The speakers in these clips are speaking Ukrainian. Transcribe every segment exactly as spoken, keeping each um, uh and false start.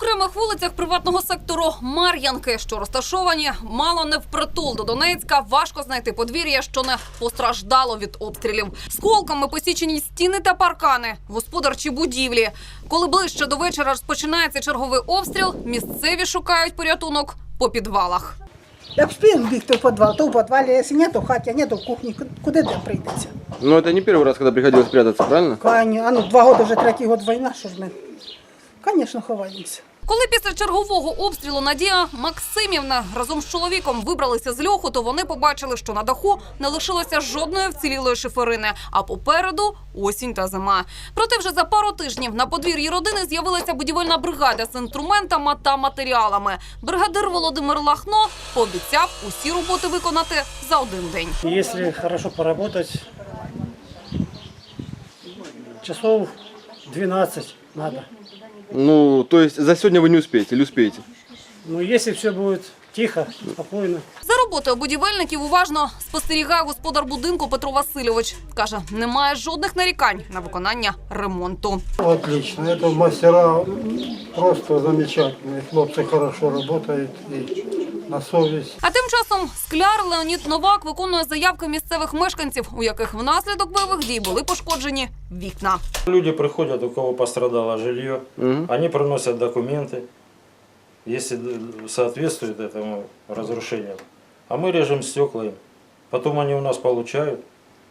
окремих вулицях приватного сектору Мар'янки, що розташовані мало не впритул до Донецька, важко знайти подвір'я, що не постраждало від обстрілів. Сколками посічені стіни та паркани, господарчі будівлі. Коли ближче до вечора розпочинається черговий обстріл, місцеві шукають порятунок по підвалах. Як встиг бігти в підвал, то в підвалі, якщо ні, то в хаті, а ні, то в кухні. Куди де прийдеться? Ну, это не первый раз, когда приходилось прятаться, правильно? Кані, а ну, два роки, вже третій год війна, що ж ми? Звісно, ховаємося. Коли після чергового обстрілу Надія Максимівна разом з чоловіком вибралися з льоху, то вони побачили, що на даху не лишилося жодної вцілілої шиферини, а попереду осінь та зима. Проте вже за пару тижнів на подвір'ї родини з'явилася будівельна бригада з інструментами та матеріалами. Бригадир Володимир Лахно пообіцяв усі роботи виконати за один день. Якщо хорошо поработать, часов двенадцать надо. Ну, то есть за сегодня вы не успеете или успеете? Ну, если все будет тихо, спокойно. За роботою будівельників уважно спостерігає господар будинку Петро Васильович. Каже, немає жодних нарікань на виконання ремонту. Отлично. Это мастера просто замечательные. Хлопцы хорошо работают и на совесть. А тим часом скляр Леонід Новак виконує заявки місцевих мешканців, у яких внаслідок бойових дій були пошкоджені вікна. Люди приходят, у кого пострадало жилье, Угу. они приносят документы, если соответствует этому разрушению. А мы режем стекла им. Потом они у нас получают.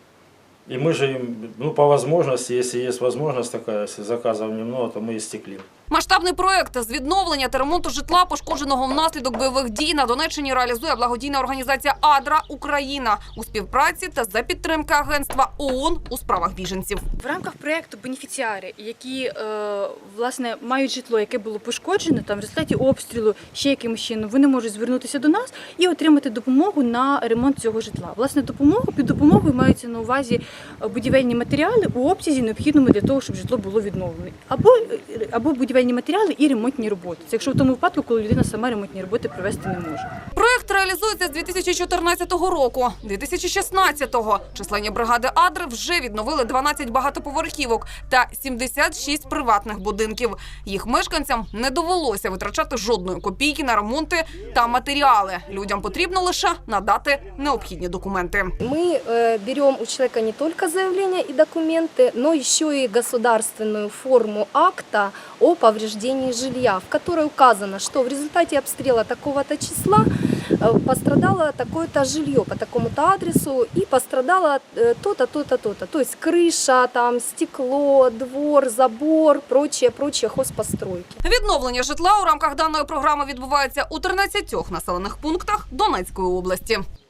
И мы же им, ну, по возможности, если есть возможность такая, если заказов немного, то мы и стеклим. Масштабний проєкт з відновлення та ремонту житла, пошкодженого внаслідок бойових дій, на Донеччині реалізує благодійна організація «Адра Україна» у співпраці та за підтримки агентства ООН у справах біженців. В рамках проєкту бенефіціари, які е, власне мають житло, яке було пошкоджено там в результаті обстрілу, ще якимось чином, вони можуть звернутися до нас і отримати допомогу на ремонт цього житла. Власне, допомогу під допомогою маються на увазі будівельні матеріали у обсязі необхідному для того, щоб житло було відновлено, або або будівельні матеріали і ремонтні роботи. Це якщо в тому випадку, коли людина сама ремонтні роботи провести не може. Проєкт реалізується з дві тисячі чотирнадцятого року. дві тисячі шістнадцятого численні бригади «Адри» вже відновили дванадцять багатоповерхівок та сімдесят шість приватних будинків. Їх мешканцям не довелося витрачати жодної копійки на ремонти та матеріали. Людям потрібно лише надати необхідні документи. Мы э, берем у человека не только заявление и документы, но еще и государственную форму акта о повреждении жилья, в которой указано, что в результате обстрела такого-то числа э, пострадало такое-то жилье по такому-то адресу и пострадало э, то-то, то-то, то-то. То есть крыша, там, стекло, двор, забор, прочее, прочее хозпостройки. Відновлення житла у рамках даної програми відбувається у тринадцятьох населених пунктах Донецької області.